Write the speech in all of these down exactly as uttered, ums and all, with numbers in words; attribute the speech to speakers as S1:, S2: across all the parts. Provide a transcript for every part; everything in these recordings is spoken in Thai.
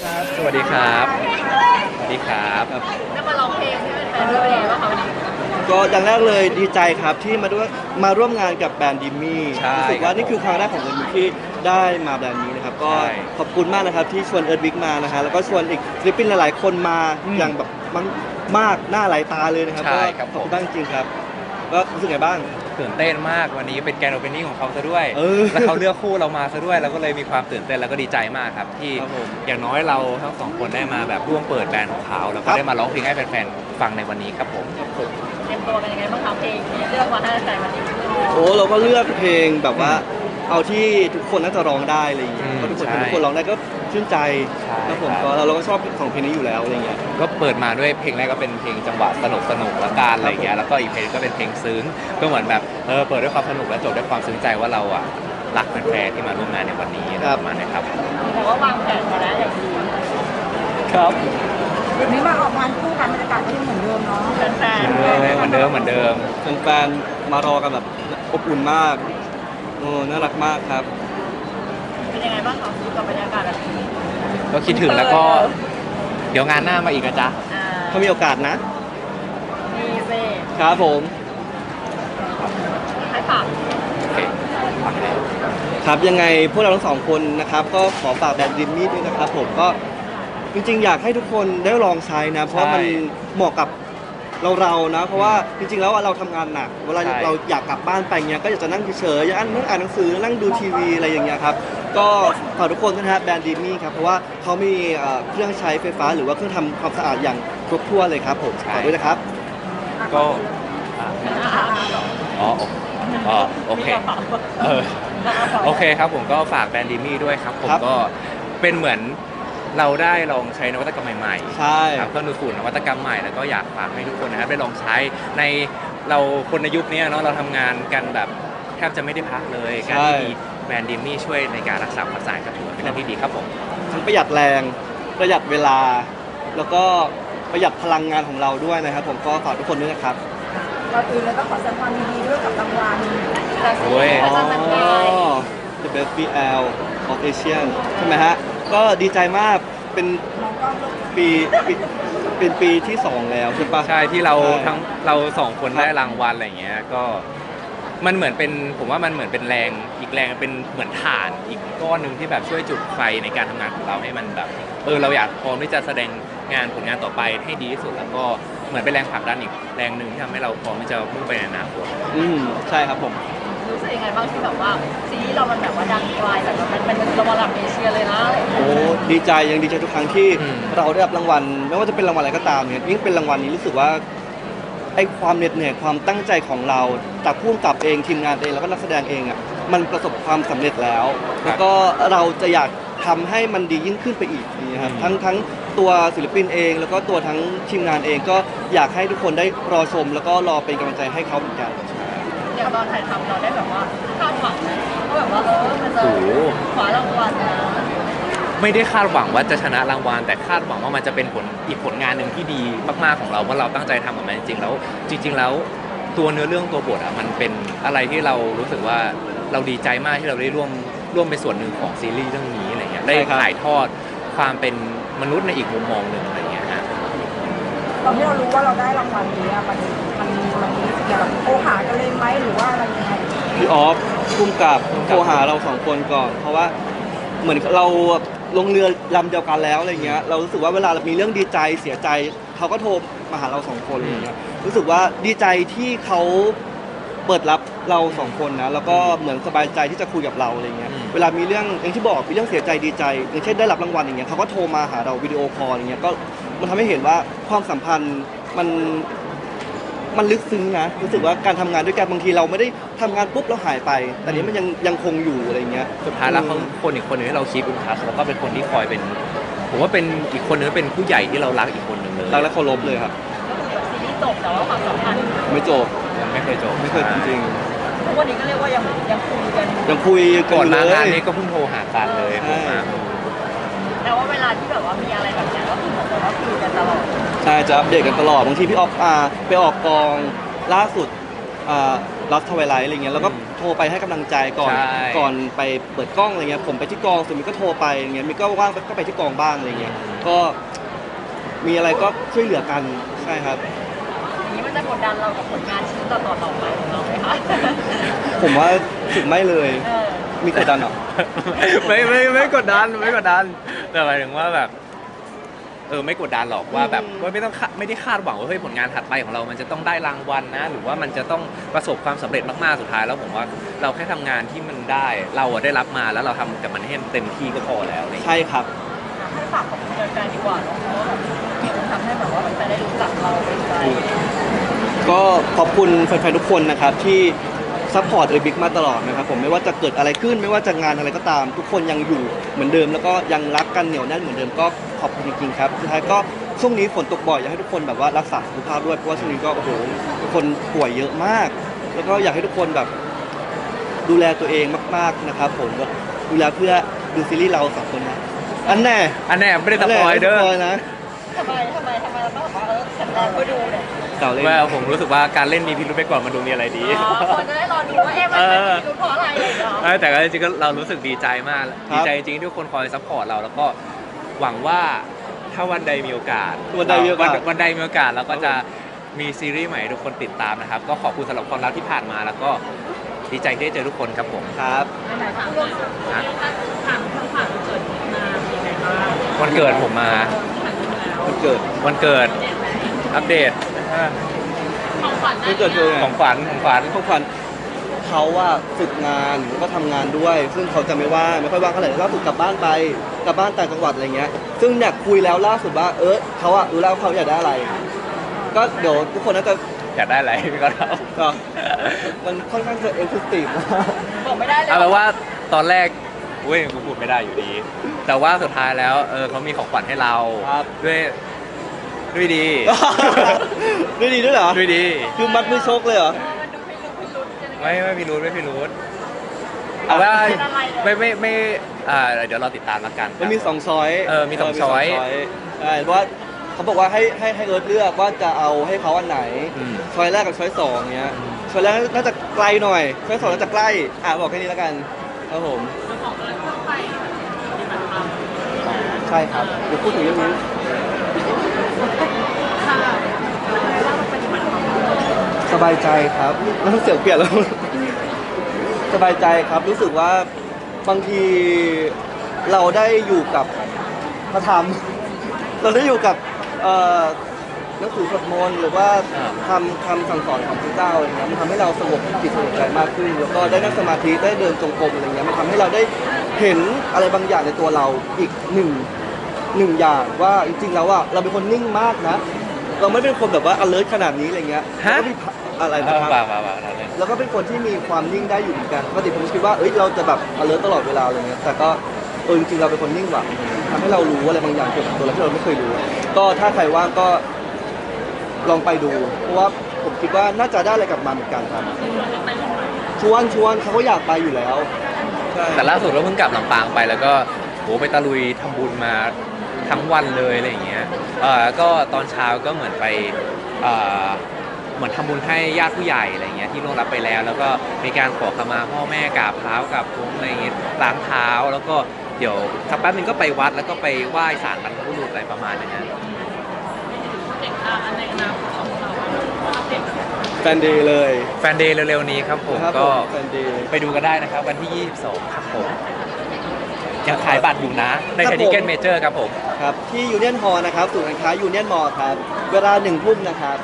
S1: ครับสวัสดีครับสวัสดีครับ
S2: ได้มาร้องเพลงให้แฟนๆด้วยเป็นไงบ้างคะวันนี้
S3: ก็อย่างแรกเลยดีใจครับที่มาด้วยมาร่วมงานกับแบรนด์ดิมมี่
S1: ใช่
S3: รู้สึกว่านี่คือครั้งแรกของเอิร์ธวิกที่ได้มาแบรนด์นี้นะครับก็ขอบคุณมากนะครับที่ชวนเอิร์ธวิกมานะฮะแล้วก็ชวนอีกศิลปินหลายๆคนมาอย่างแบบมากหน้าหลายตาเลยนะครับก็ขอบคุณมากจริงๆครับก็รู้สึกไงบ้าง
S1: ตื่นเต้นมากวันนี้เป็นแกรนด์โอเพนนิ่งของเขาซะด้วย
S3: เออ
S1: แล้วเขาเลือกคู่เรามาซะด้วยเราก็เลยมีความตื่นเต้นแล้วก็ดีใจมากครับที่
S3: ครับผม
S1: อย่างน้อยเราทั้งสองคนได้มาแบบร่วมเปิดแบรนด์ของเขาแล้วก็ได้มาร้องเพลงให้แฟนๆฟังในวันนี้ครับผม
S2: เตรียมตัวกันยังไงบ้างคะเพลงที่เลือกมาให้แฟนๆวันนี้
S3: โอ้เราก็เลือกเพลงแบบว่าเอาที่ทุกคนน่าจะร้องได้อะไรอย่างเงี้ยเพราะทุกคนทุกคนร้องได้ก็ชื่นใจครับผมก็เราเราก็ชอบของเพลงนี้อยู่แล้วอะไรเงี้ย
S1: ก็เปิดมาด้วยเพลงแรกก็เป็นเพลงจังหวะสนุกสนุกละกันอะไรเงี้ยแล้วก็อีกเพลงก็เป็นเพลงซึ้งก็เหมือนแบบเออเปิดด้วยความสนุกและจบด้วยความซึ้งใจว่าเราอ่ะรักแฟนๆที่มาร่วมงานในวันนี้ประมาณนี้ครับ
S2: แต่ว่าวางแผนมาแล้วอย่างดี
S3: ครับ
S4: เดี๋ยวนี้มาออกงานคู่กันบรรยากาศก็ยังเหมือนเดิมเนาะ
S2: แฟนๆ
S1: เหมือนเดิมเหมือนเดิม
S3: แฟนๆมารอกันแบบอบอุ่นมากโอ้น่ารักมากครับ
S2: เป็นยังไงบ้างคะกับบรรยากาศแบบนี้
S1: ก็คิดถึงแล้วก็เดี๋ยวงานหน้ามาอีกนะจ๊ะ
S3: ถ้ามีโอกาสนะ
S2: มีเซ
S3: ครับผม
S2: ให้ฝาก
S1: โอเคฝากแล้ว
S3: ครับยังไงพวกเราทั้งสองคนนะครับก็ขอฝากแบรนด์ดิมมี่ด้วยนะครับผมก็จริงๆอยากให้ทุกคนได้ลองใช้นะเพราะมันเหมาะกับเราเรานะเพราะว่าจริงๆแล้วเราทำงานหนักเวลาเราอยากกลับบ้านไปเงี้ยก็อยากจะนั่งเฉยๆอยากนั่งอ่านหนังสือนั่งดูทีวีอะไรอย่างเงี้ยครับก็ฝากทุกคนนะฮะแบรนด์ดิมมี่ครับเพราะว่าเขามีเครื่องใช้ไฟฟ้าหรือว่าเครื่องทำความสะอาดอย่างครบถ้วนเลยครับผมฝากด้วยนะครับ
S1: ก็อ๋ออ๋อโอเคเออโอเคครับผมก็ฝากแบรนด์ดิมมี่ด้วยครับผมก็เป็นเหมือนเราได้ลองใช้นวัตกรรมใหม่ๆ
S3: ใช่
S1: ครับเครื่องดูดฝุ่นนวัตกรรมใหม่แล้วก็อยากฝากให้ทุกคนนะครับได้ลองใช้ในเราคนในยุคนี้เนาะเราทำงานกันแบบแทบจะไม่ได้พักเลยการที่มีแบรนด์ดิมมี่ช่วยในการรักษาความสะอาดก็ถือเป็นเรื่องที่ดีครับผม
S3: ทั้งประหยัดแรงประหยัดเวลาแล้วก็ประหยัดพลังงานของเราด้วยนะครับผมก็ฝากทุกคนด้วยนะครับ
S4: ก่อนอื่นเลยต้องขอแสดงความยินดีด้วยกับรางวัล
S1: โอ้ย
S3: The Best บี แอล of Asian ใช่ไหมฮะก็ดีใจมากเป็นปีเป็นปีที่สองแล้วใช่ปะ
S1: ใช่ที่เราทั้งเราสองคนได้รางวัลอะไรอย่างเงี้ยก็มันเหมือนเป็นผมว่ามันเหมือนเป็นแรงอีกแรงเป็นเหมือนถ่านอีกก้อนหนึ่งที่แบบช่วยจุดไฟในการทำงานของเราให้มันแบบเออเราอยากพร้อมที่จะแสดงงานผลงานต่อไปให้ดีที่สุดแล้วก็เหมือนเป็นแรงผลักดันอีกแรงหนึ่งที่ทำให้เราพร้อมที่จะมุ่งไปในอนาคต
S3: อืมใช่ครับผม
S2: รู้สึกยังไงบ้างที่แบบว่าซีรีส์เรามันแบบว่าดังไกลแต่มันเป็นระดับเอเชียเลยนะ
S3: โอ้ดีใจยังดีใจทุกครั้งที่เราได้รับรางวัลไม่ว่าจะเป็นรางวัลอะไรก็ตามเนี่ยยิ่งเป็นรางวัลนี้รู้สึกว่าไอ้ความเหน็ดเหนื่อยความตั้งใจของเราจากผู้กำกับเองทีมงานเองแล้วก็นักแสดงเองอ่ะมันประสบความสำเร็จแล้วแล้วก็เราจะอยากทำให้มันดียิ่งขึ้นไปอีกนี่ครับทั้งทั้งตัวศิลปินเองแล้วก็ตัวทั้งทีมงานเองก็อยากให้ทุกคนได้รอชมแล้วก็รอเป็นกำลังใจให้เขาเหมือนกัน
S2: อย่างตอนถ่ายทำเราได้แบบว่าคาดหวังนะก็แบบว่าเออมันจะคว้ารางวัลนะ
S1: ไม่ได้คาดหวังว่าจะชนะรางวัลแต่คาดหวังว่ามันจะเป็นผลอีกผลงานหนึ่งที่ดีมากๆของเราว่าเราตั้งใจทำกับมันจริงๆแล้วจริงๆแล้วตัวเนื้อเรื่องตัวบทอ่ะมันเป็นอะไรที่เรารู้สึกว่าเราดีใจมากที่เราได้ร่วมร่วมเป็นส่วนหนึ่งของซีรีส์เรื่องนี้อะไรเงี้ยได้ถ่ายทอดความเป็นมนุษย์ในอีกมุมมองหนึ่งอะไรเงี้ยฮะ
S4: ตอนที่เรารู้ว่าเราได้รางวัลนี้มันมันมันมีเกี่ยวกับโอหากันเลยไหมหรือว่าอะไรยังไง
S3: พี่ออฟพุ่มกับโทรหาเราสองคนก่อนเพราะว่าเหมือนเราลงเรือลำเดียวกันแล้วอะไรเงี้ยเรารู้สึกว่าเวลามีเรื่องดีใจเสียใจเขาก็โทรมาหาเราสองคนอะไรเงี้ยรู้สึกว่าดีใจที่เขาเปิดรับเราสองคนนะแล้วก็เหมือนสบายใจที่จะคุยกับเราอะไรเงี้ยเวลามีเรื่องอย่างที่บอกมีเรื่องเสียใจดีใจอย่างเช่นได้รับรางวัลอย่างเงี้ยเขาก็โทรมาหาเราวิดีโอคอลอย่างเงี้ยก็มันทำให้เห็นว่าความสัมพันธ์มันมันลึกซึ้งนะรู้สึกว่าการทำงานด้วยกันบางทีเราไม่ได้ทำงานปุ๊บแล้วหายไปแต่นี้มันยังยังคงอยู่อะไรเงี้ย
S1: สุดท้ายแล้วเขาคนอีกคนหนึ่งที่เราคีปอินทัชแล้วก็เป็นคนที่คอยเป็นผมว่าเป็นอีกคนนึงเป็นผู้ใหญ่ที่เรารักอีกคนหนึ่งเลย
S3: รักและเคารพเลยครับ
S2: ก็คือซีรีส์จบแต่ว่าความสัมพันธ์
S3: ไม่จบ
S1: ยังไม่เคยจบ
S3: ไม่เคยจริง
S2: ๆทุกวันนี้ก็เรียกว่ายังยังคุยกัน
S3: ยังคุย
S1: ก่อนมางานนี้ก็เพิ่งโทรหากันเลยผมมา
S2: แต่ว่าเวลาที่แบบว่ามีอะไรแบบนี้ก็คือเหมือนกับว่าคุยกันตลอด
S3: ใช่จะอัปเดตกันตลอดบางทีพี่ออกอ่าไปออกกองล่าสุดอ่าลัสทวายไลท์อะไรเงี้ยแล้วก็โทรไปให้กำลังใจก่อน
S1: ใช่
S3: ก่อนไปเปิดกล้องอะไรเงี้ยผมไปที่กองส่วนมิกก็โทรไปอย่างเงี้ยมิกก็ว่างก็ไปที่กองบ้างอะไรเงี้ยก็มีอะไรก็ช่วยเหลือกันใช่ครับ
S2: อย่างนี้มันจะกดดันเรากับผลงานชิ้นต่อๆต่อไปของเราไหมคะ
S3: ผมว่าถึงไม่เลย
S2: เออ
S3: มีกดดันเหรอ
S1: ไม่ไม่ไม่กดดันไม่กดดันแต่หมายถึงว่าแบบเออไม่กดดันหรอกว่าแบบ
S3: อืม
S1: ว่าไม่ต้องคาไม่ได้คาดหวังว่าเฮ้ยผลงานถัดไปของเรามันจะต้องได้รางวัลนะ หรือว่ามันจะต้องประสบความสำเร็จมากๆสุดท้ายแล้วผมว่าเราแค่ทำงานที่มันได้ เราอะได้รับมาแล้วเราทำกับมันให้เต็มที่ก็พอแล้วอะไรอย่างเงี้ย
S3: ใช่ครับ
S2: ให้ฝากขอบคุณแฟนๆดีกว่าเนาะเพราะว่าแบบมันทำให้แบบว่าแฟนๆได้รู้จักเราเป็นใจ
S3: ก็ขอบคุณแฟนๆทุกคนนะครับที่ซัพพอร์ตเอบิกมาตลอดนะครับผมไม่ว่าจะเกิดอะไรขึ้นไม่ว่าจะงานอะไรก็ตาม ทุกคนยังอยู่เหมือนเดิม แล้วก็ยังรักกันเหนียวแน่นเหมือนเดิมก็ขอบคุณจริงๆครับสุดท้ายก็ช่วงนี้ฝนตกบ่อยอยากให้ทุกคนแบบว่ารักษาสุขภาพด้วยเพราะว่าช่วงนี้ก็โอ้โหทุกคนป่วยเยอะมาก แล้วก็อยากให้ทุกคนแบบดูแลตัวเองมากๆนะครับผมก็ดูแลเพื่อดูซีรีส์เราสองคนนะอันแน่
S1: อันแน่ไม่ได้สปอยเด้อ
S3: ไม่ได้สปอยนะ
S2: ทำไมทำไมทำไมเราต้องบอกว่าเออแข็งแรงเพื่อดูเนี่ย
S3: เก่าเลย
S1: ว่าผมรู้สึกว่าการเล่นมีพิรุธไปก่อนมันดูมีอะไรดี
S2: อ๋อคนจะได้รอดูว่าเอ๊ะมันเป็นรู้เพราะอะไรเหรอ
S1: เออแต่ก็จริงๆก็เรารู้สึกดีใจมาก
S3: ครับ
S1: ดีใจจริงๆที่ทุกคนคอยซัพพอร์ตเราแล้วก็หวังว่าถ้าวันใดมีโอกาส
S3: วันใดมีโอกาส
S1: วันวันใดมีโอกาสเราก็จะมีซีรีส์ใหม่ให้ทุกคนติดตามนะครับ ก็ขอบคุณสำหรับความรักที่ผ่านมาแล้วก็ดีใจที่ได้เจอทุกคนครับผม
S3: ครับ
S1: นะ
S2: ถามคำถามเกิดมาเป็นไงบ้าง
S1: วันเกิดผมมา
S3: วันเกิด
S1: วันเกิดอัปเดต
S2: ของขวัญ
S3: วันเกิดคือไง
S1: ของขวัญของขวัญ
S3: ของขวัญเขาว่าฝึกงานแล้วก็ทำงานด้วย ซึ่งเขาจะไม่ว่างไม่ค่อยว่างเท่าไหร่ล่าสุดกลับบ้านไปกลับบ้านต่างจังหวัดอะไรเงี้ยซึ่งเนี่ยคุยแล้วล่าสุดว่าเออเขาอะรู้แล้วว่าเขาอยากได้อะไร ก็เดี๋ยวทุกคนน่าจะ
S1: อยากได้อะไรก็เอา
S3: ก็มันค่อนข้างจะเอ็กซ์คลูซีฟ
S2: บอกไม่ได้เลย
S1: เอาเป็นว่าตอนแรกเว้ยกูพูดไม่ได้อยู่ดี แต่ว่าสุดท้ายแล้วเออเขามีของขวัญให้เรา
S3: ครับ
S1: ด้วยด้วยดี
S3: ด้วยดีด้วยเหรอ
S1: ด้วยดี
S3: คือมัดมือชกเลยเหรอ
S2: มันดูพิรุธพิรุธใช่ไหม
S1: ไม่ไม่พิรุธไม่พิรุธเอาว่า
S2: เป็นอะไรเลย
S1: ไม่ไม่ไม่อ่าเดี๋ยวเราติดตามแล้วกัน
S3: มันมีสองช้อย
S1: เออมีสองช้อย
S3: ใช่เพราะว่าเขาบอกว่าให้ให้ให้เอิร์ธเลือกว่าจะเอาให้เขาอันไหน
S1: อืม
S3: ช้อยแรกกับช้อยสองเนี้ยช้อยแรกน่าจะไกลหน่อยช้อยสองน่าจะใกล้อ่ะบอกแค่นี้แล้วกันครับผม
S2: จะบอกอะไรเข้าไปปฏิบัติธรรม
S3: ใช่ครับเดี๋ยวพูดถึงเรื่องนี้
S2: ค่ะว่าเราปฏิบัติธรรม
S3: สบายใจครับน้ำเสียงเปลี่ยนแล้ว สบายใจครับรู้สึกว่าบางทีเราได้อยู่กับพระธรรม เราได้อยู่กับเอ่อหนังสือสวดมนต์หรือว่าทำคำสั่งสอนของพระเจ้าอะไรเงี้ยมันทำให้เราสงบจิตสงบใจมากขึ้น แล้วก็ได้นั่งสมาธิได้เดินจงกรมอะไรเงี้ยมันทำให้เราได้เห็นอะไรบางอย่างในตัวเราอีกหนึ่งหนึ่งอย่างว่าจริงๆแล้วอ่ะเราเป็นคนนิ่งมากนะ เราไม่เป็นคนแบบว่า alert ขนาดนี้อะไรเงี้ย
S1: ฮะ
S3: แล้วก็มีอะไร
S1: เอ
S3: นะ
S1: อ
S3: ครับ
S1: ป่าป่าป่าอะไร
S3: แล้วก็เป็นคนที่มีความนิ่งได้อยู่เหมือนกันปกติผมคิดว่าเอ้ยเราจะแบบ alert ตลอดเวลาอะไรเงี้ยแต่ก็เออจริงๆเราเป็นคนนิ่งกว่าทำให้เรารู้อะไรบางอย่างเกี่ยวกับตัวเราที่เราไม่เคยรู้ ก็ถ้าใครว่างก็ลองไปดู เพราะว่าผมคิดว่าน่าจะได้อะไรกลับมาเหมือนกันครับชวนชวนเขาก็อยากไปอยู่แล้วใช่
S1: แต่ล่าสุดเราเพิ่งกลับลำปางไปแล้วก็โหไปตะลุยทำบุญมาทั้งวันเลยอะไรอย่างเงี้ยเออแล้วก็ตอนเช้าก็เหมือนไปเอ่อเหมือนทำบุญให้ญาติผู้ใหญ่อะไรเงี้ยที่ล่วงลับไปแล้ว แล้วก็มีการขอขมาพ่อแม่กราบเท้ากราบพุ้งอะไรเงี้ยล้างเท้าแล้วก็เดี๋ยวสักแป๊บนึงก็ไปวัดแล้วก็ไปไหว้ศาลบรรพบุรุษอะไรประมาณนี้นะ
S2: เด็กอ่ะในอนาคตของเราเด็ก
S3: แฟนเดย์เลย
S1: แฟนเดย์เร็วๆนี้ครับผม
S3: ครับ
S1: ก็
S3: แฟนเดย์
S1: ไปดูกันได้นะครับวันที่ ยี่สิบสอง ครับผมยังขายบัตรอยู่นะ ใน
S3: ครั
S1: ไท
S3: บ
S1: นิ
S3: ผม
S1: เกนเมเจอร์ครับผม
S3: ครับที่ยูเนียนฮอลนะครับศูนย์การค้ายูเนียนมอลครับเวลาหนึ่งทุ่มนะครับ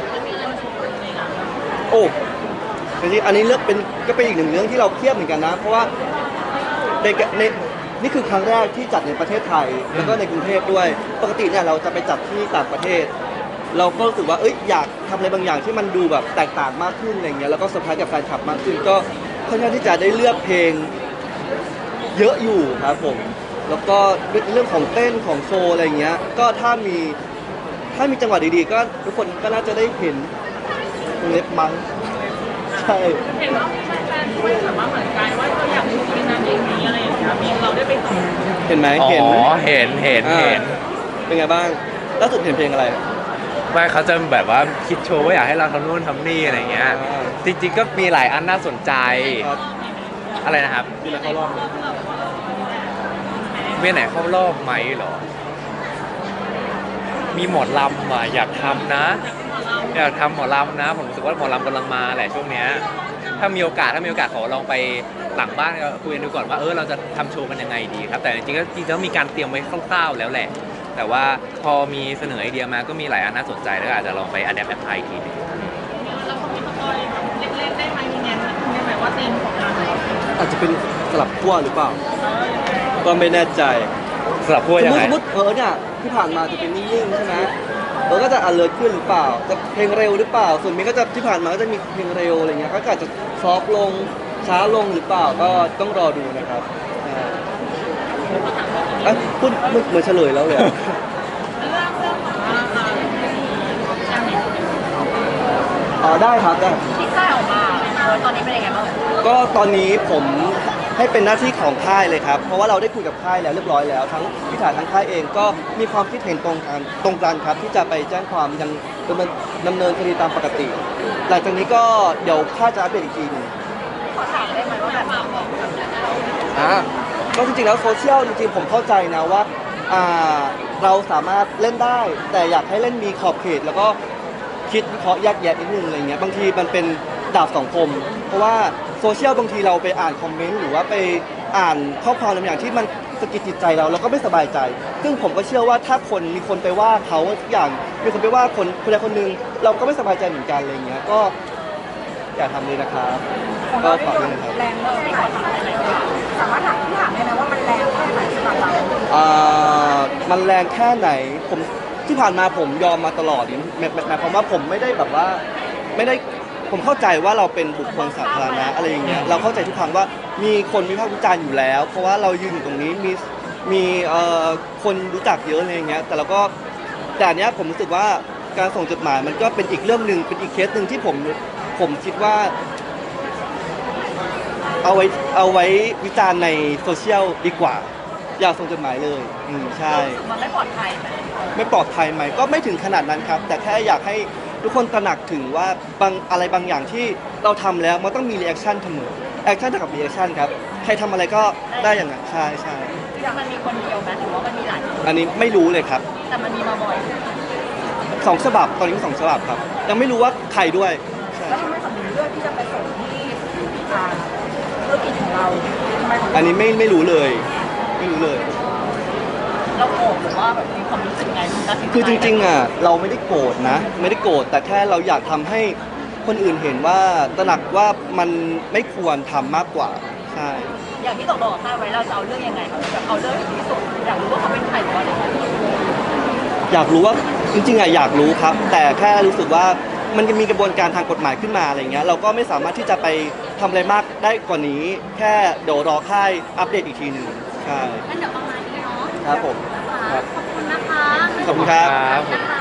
S3: โอ้จริงๆอันนี้เลือกเป็นก็เป็นอีกหนึ่งเรื่องที่เราเครียดเหมือนกันนะ เพราะว่าในในนี่คือครั้งแรกที่จัดในประเทศไทย แล้วก็ในกรุงเทพด้วย ปกติเนี่ยเราจะไปจัดที่ต่างประเทศ เราก็รู้สึกว่าเอ้ยอยากทำอะไรบางอย่างที่มันดูแบบแตกต่างมากขึ้นอะไรเงี้ยแล้วก็เซอร์ไพรส์กับแฟนคลับมากขึ้นก็ค่อนข้างที่จะได้เลือกเพลงเยอะอยู่ครับผม แล้วก็เรื่องของเต้นของโชว์อะไรเงี้ยก็ถ้ามีถ้ามีจังหวะดีๆ ก็ทุกคนก็น่าจะได้เห็นวงเล็บมั้งใช่
S2: เห็นว่ามีแฟนๆด้วยแบบว่าเหมือนกันว่าเราอยากดูที่นั่นเองนี้อะไรอย่างเงี้ยมีเราได้ไปต่อ
S3: เห็นไหม
S1: อ๋อ
S3: เห็น
S1: เห็นเห็น
S3: อ่า
S1: เห็น
S3: เป็นไงบ้างล่าสุดเห็นเพลงอะไร
S2: เ
S1: ว่าเขาจะแบบว่าคิดโชว์ว่าอยากให้เราทำนู่นทำนี่อะไรเงี้ย
S3: อ่า
S1: จริงๆก็มีหลายอันน่าสนใจ
S3: ครับ
S1: อะไรนะครับ
S3: ที่เราเข้ารอบเลย
S1: เวียนไหนเข้ารอบไหมเหรอ มีหมอลำอ่ะอยากทำนะ อยากทำหมอลำนะ ผมรู้สึกว่าหมอลำกำลังมาแหละช่วงเนี้ยถ้ามีโอกาสถ้ามีโอกาสขอลองไปหลังบ้านคุยกันดูก่อนว่าเออเราจะทำโชว์กันยังไงดีครับ แต่จริงๆก็จริงๆแล้วมีการเตรียมไว้คร่าวๆแล้วแหละ แต่ว่าพอมีเสนอไอเดียมาก็มีหลายอันน่าสนใจแล้วก็อาจจะลองไปอัดแอปแอปพลายอีกทีหนึง
S2: เราก็มีสปอยเล็กๆได้ไหมมีแนวได้ไหมว่าธีมของงานไหน
S3: อาจจะเป็นสลับขั้วหรือเปล่า ก็ไม่แน่ใจ
S1: สำหรับพวก
S3: สม
S1: ยัง
S3: มติ
S1: ไง
S3: สมมติเออเนี่ยที่ผ่านมาจะเป็นนิ่งๆใช่ไหมเออก็จะ alert ขึ้นหรือเปล่า จะเพลงเร็วหรือเปล่า ส่วนมิ้นก็จะที่ผ่านมาก็จะมีเพลงเร็วอะไรเงี้ยก็อาจจะซอฟต์ลงช้าลงหรือเปล่าก็ต้องรอดูนะครับอ่าเอ้ยพูดเหมือนเหมือนเฉลยแล้วเลยอะ
S2: เรื่องเรื่องของว่าอ่าการเน็ต
S3: อ๋อได้ครับได้
S2: ที่ค่ายออกมาเออตอนนี้เป็นยังไงบ้าง
S3: ก็ตอนนี้ผมให้เป็นหน้าที่ของค่ายเลยครับ เพราะว่าเราได้คุยกับค่ายแล้วเรียบร้อยแล้ว ทั้งพิธาทั้งค่ายเองก็มีความคิดเห็นตรงกันตรงกันครับ ที่จะไปแจ้งความยังดำเนินดำเนินคดีตามปกติ หลังจากนี้ก็เดี๋ยวค่ายจะอัปเดตอีกทีหนึง
S2: ขอถามได้ไหมว่าแบบบอกแบบ
S3: อ่าก็จริงๆแล้วโซเชียลจริงๆผมเข้าใจนะว่าอ่าเราสามารถเล่นได้ แต่อยากให้เล่นมีขอบเขต แล้วก็คิดวิเคราะห์แยกแยะนิดนึงอะไรเงี้ยบางทีมันเป็นดาบสองคม เพราะว่าโซเชียลบางทีเราไปอ่านคอมเมนต์หรือว่าไปอ่านข้อความบางอย่างที่มันสะกิดจิตใจเราเราก็ไม่สบายใจ ซึ่งผมก็เชื่อว่าถ้าคนมีคนไปว่าเขาทุกอย่างมีคนไปว่าคนคนใดคนหนึ่งเราก็ไม่สบายใจเหมือนกันอะไรเงี้ยก็อย่าทำเลยนะครับ
S4: ของ
S3: ก็
S4: เราได้
S3: ฝาก
S4: โด
S3: ด้วย
S4: น
S3: นะครับ
S4: แรงแค่ไหนสามารถถามที่ถามได้ไหมว่ามันแรงแค่ไหนสำหรับเรา
S3: อ่ามันแรงแค่ไหนผมที่ผ่านมาผมยอมมาตลอดนี่หมายหมายความว่าผมไม่ได้แบบว่าไม่ได้ผมเข้าใจว่าเราเป็นบุคคลสาธารณะอะไรอย่างเงี้ยเราเข้าใจทุกครั้งว่ามีคนวิพากษ์วิจารณ์อยู่แล้ว เพราะว่าเรายืนอยู่ตรงนี้มีมีเอ่อคนรู้จักเยอะอะไรอย่างเงี้ยแต่เราก็แต่อันเนี้ยผมรู้สึกว่าการส่งจดหมายมันก็เป็นอีกเรื่องหนึ่งเป็นอีกเคสหนึ่งที่ผมผมคิดว่า เอาไว้เอาไว้วิจารณ์ในโซเชียลดีกว่า อย่าส่งจดหมายเลยอืมใช่
S2: มันไม่ปลอดภัยไหม
S3: ไม่ปลอดภัยไหมก็ไม่ถึงขนาดนั้นครับ แต่แค่อยากให้ทุกคนตระหนักถึงว่าบางอะไรบางอย่างที่เราทำแล้วมันต้องมีรีแอคชั่นเสมอแอคชั่นเท่ากับรีแอคชั่นครับใครทำอะไรก็ได้อย่างนั้นใช่ใช่
S2: มันมีคนเดียวไหมหรือว่ามันมีหลายคน
S3: อันนี้ไม่รู้เลยครับ
S2: แต่มันมีมาบ่อย
S3: สองฉบับตอนนี้มีสองฉบับครับยังไม่รู้ว่าใครด้วยใช่
S4: แล้วทำไมสำนึกเลือกที่จะไปส่งที่อ่าธุรกิจของเราทำไมของ
S3: อันนี้ไม่ไม่รู้เลย ไม่รู้เลย
S2: เราโกรธหรือว่าแบบมีความรู้สึกไงตัดสินใจ
S3: คือจริงๆอ่ะเราไม่ได้โกรธนะ ไม่ได้โกรธแต่แค่เราอยากทำให้คนอื่นเห็นว่าตระหนักว่ามันไม่ควรทำมากกว่าใช่
S2: อย่างที่ตกลงกับค่ายไว้เราจะเอาเรื่องยังไงครับแบบเอาเรื่องให้ถึงที่สุดอยากรู้ว่าเขาเป็นใครหรือว่าอะไร
S3: อยากรู้ว่าจริงๆอ่ะอยากรู้ครับ แต่แค่รู้สึกว่ามันจะมีกระบวนการทางกฎหมายขึ้นมาอะไรเงี้ยเราก็ไม่สามารถที่จะไปทำอะไรมากได้กว่านี้ แค่เดี๋ยวรอค่ายอัปเดตอีกทีหนึ่งใช่
S2: งั้นเดี๋ยวประมาณนี้เนาะ
S3: ครับผมครับ
S2: ขอบคุณนะคะ
S3: ขอบคุณครับ
S1: ครับ
S2: นะคะ